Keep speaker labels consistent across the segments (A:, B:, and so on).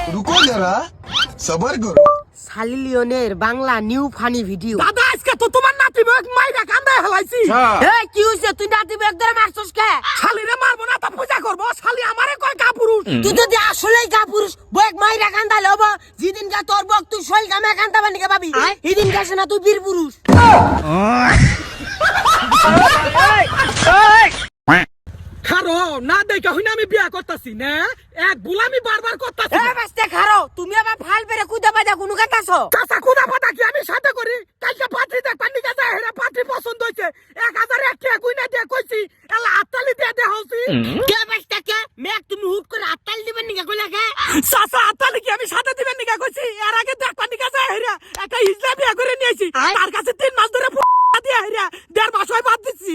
A: रुको जरा सबर करो।
B: সালি লিওনের বাংলা নিউ ফানি ভিডিও।
C: দাদা আজকে তো তোমার নাতি বেগ মাইরা কান্দায় হেলাইছি।
B: এই কি হইছে তুই নাতি বেগ ধরে মারছস কে?
C: শালিরে মারবো না তা পূজা করবো, শালি আমারে কয় কাপুরুষ।
B: তুই তো আসলেই কাপুরুষ। বেগ মাইরা কান্দালে হবো, যেদিন কা তোর বক তুই শৈল গামে কান্দাবা নিকে ভাবি, এদিন কাছে না তুই বীর পুরুষ।
C: খারো না দেখা হইনা আমি বিয়া করতাছি না, এক বুলামি বারবার করতাছি।
B: এ বাস্তে খারো, তুমি আবার ফাল বেরে কুদা বাজা কোন কাটাছো?
C: চাচা কুদা পাতা কি আমি সাথে করি? কালকে পাত্রী দেখ পান্ডি কাছে হেরা পাত্রী পছন্দ হইছে, 1000 এক টাকা কইনা দিয়ে কইছি এলা হাততালি দিয়ে দে হইছি।
B: কে বাস্তে কে মেক তুমি হুট করে হাততালি দিবেন নিকে কইলা কে?
C: চাচা হাততালি কি আমি সাথে দিবেন নিকা কইছি? এর আগে দেখ পান্ডি কাছে হেরা একটা ইসলাম বিয়া করে নিয়েছি, তার কাছে 3 মাস ধরে দিয়ে হেরা 1.5 মাস হয় বাদ দিছি।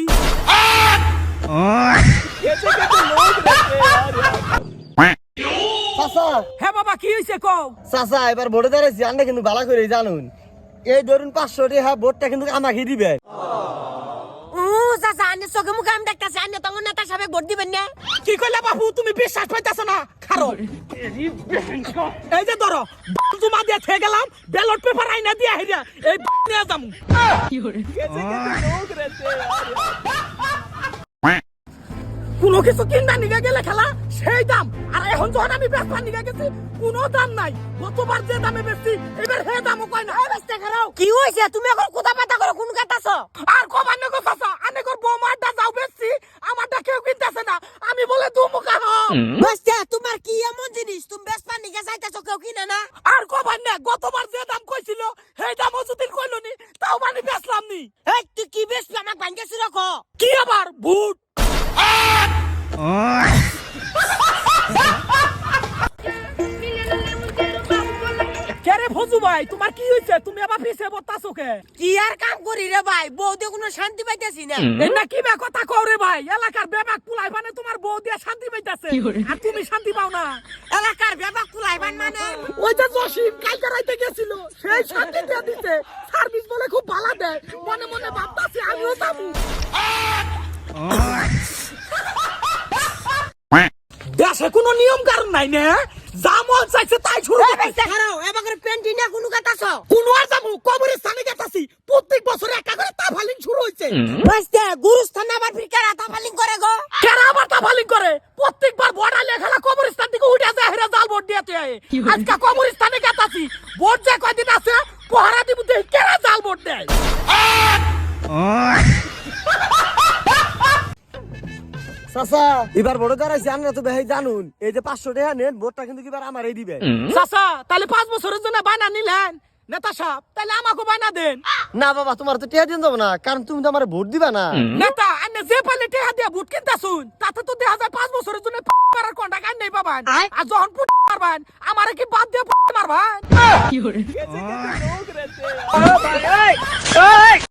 D: চাচা
C: হ্যাঁ বাবা কি হইছে কও?
D: চাচা এবার ভোটে দাঁড়াইছি, আন্না কিন্তু ভালো করে জানুন, এই ধরুন 500 টাকা ভোটটা কিন্তু আমাকে দিবে।
B: ও চাচা আনে চোখে মুখে আমি দেখতাছি, আনে তখন নেতা সাহেব ভোট দিবেন না?
C: কি কইলা বাবু, তুমি বিশ্বাস পাইতাছ না? খারো এই যে ধরো জমা দিয়ে থেকে গেলাম, ব্যালট পেপার আইনা দিয়ে হেরা এই নিয়ে যামু। কোনো কিছু কিনা নিয়ে গেলে খেলা সেই দাম, আর এখন যখন আমি বেচবার নিয়ে গেছি কোনো দাম নাই। গতবার যে দামে বেচছি এবার হে দামও কয় না।
B: বাস্তে খারাও কি হইছে? তুমি এখন কুদা পাতা করে কোন কাটাছো?
C: আর কবার নেগো চাচা, আনেগর বৌমারটা যাও বেচছি, আমারটা কেউ কিনতেছে না, আমি বলে দুমুখা হও।
B: বাস্তে তোমার কি এমন জিনিস তুমি বেচবার নিকে যাইতাছো কেউ কিনে না?
C: আর কবার না, গতবার যে দাম কইছিল সেই দামও যদি কইলো নি তাও মানে বেচলাম নি।
B: এই তুই কি বেচবি আমাক ভাঙ্গেছি রাখো?
C: কি আবার ভূত? কেরে ফজু ভাই, তোমার কি হইছে? তুমি আবার পিছে বতাছো কে?
B: কি আর কাম করি রে ভাই, বউতে কোনো শান্তি পাইতেছি না।
C: এটা কি বে কথা কও রে ভাই? এলাকার বেবাক পুলাই মানে তোমার বউ দিয়ে শান্তি পাইতাছে আর তুমি শান্তি পাও না।
B: এলাকার বেবাক কুলাইবান মানে
C: ওই যে জসিম কালকে রাইতে গেছিল, সেই শান্তি দিয়ে দিতে, সার্ভিস বলে খুব ভালো দেয়, মনে মনে ভাবতাছি আমিও যাবো। দেশে কোনো নিয়ম কারণ নাই না, যা মন চাইছে তাই শুরু করতে।
B: খারাও এবার করে পেন্টি না কোনো কাটাছো?
C: কোন আর যাবো, কবরস্থানে গেতাছি, প্রত্যেক বছর একটা করে তাফালিং শুরু হইছে।
B: বাস্তে গুরুস্থান আবার ফিরকার আতা ফালিং করে গো।
C: কেরা আবার তাফালিং করে? প্রত্যেকবার বড়া লেখালা কবরস্থান থেকে উঠে যায় হেরা জাল ভোট দিতে হয়। আজকে কবরস্থানে গেতাছি, ভোট যে কয়দিন আছে পহারা দিব দেখি কেরা জাল ভোট দেয়।
D: চাচা এবার ভোটে দাঁড়াইছি, আন্না তো ভাই জানুন, এই যে 500 টাকা নেন ভোটটা কিন্তু এবার আমারই দিবে।
C: চাচা তাহলে 5 বছরের জন্য বায়না নিলেন নেতা সাহেব, তাহলে আমাকে বায়না দেন।
D: না বাবা তোমার তো টাকা দিন যাবো না, কারণ তুমি তো আমার ভোট দিবা না।
C: নেতা আনে যে পালে টেহা দিয়ে ভোট কিনতাছুন, তাতে তো দেখা যায় 5 বছরের জন্য মারার কন্টাক্ট আইন নেই পাবেন। আর যখন মারবেন আমারে কি বাদ দিয়ে মারবেন?